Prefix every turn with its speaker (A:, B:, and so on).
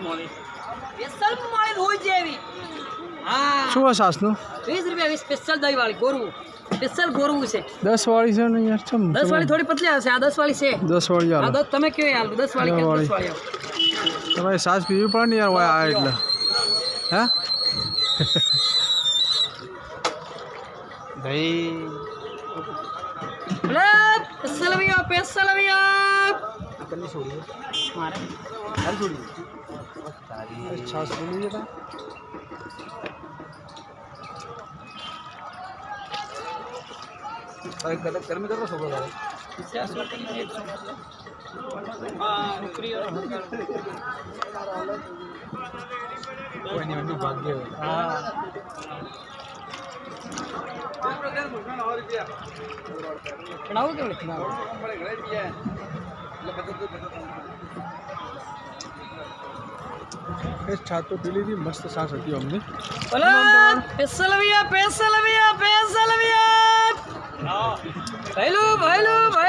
A: મોલી special મોલી હોય જેવી હા
B: શું છે સાસનું
A: 20 રૂપિયા સ્પેશિયલ દહીં વાળી ગોરવું સ્પેશિયલ ગોરવું છે
B: 10 વાળી છે ને યાર ચમ
A: 10 વાળી થોડી પતલી આવશે આ 10 વાળી છે
B: 10 વાળી
A: આ
B: આલો
A: 10 તમે કયો યાર 10 વાળી કે 10 વાળી આવો
B: તમારે સાસ પીવી પડે ને યાર હોય આ એટલે હે દહીં
A: લે સ્પેશિયલ અવિયા
B: આપણને છોડી
A: મારે
B: હાલ છોડી તારી છાસ બોલી જતા અરે કદક કર્મી કરો છો બોલા
A: 50 વાળી 100 હા નોકરી
B: કોઈ નહીં એનું ભાગ્ય
A: હા બનાવો કે બનાવો
B: એ છાત તો પી લીધી મસ્ત સાસ હતી અમને
A: બોલો સ્પેશિયલ અવિયા ભૈલું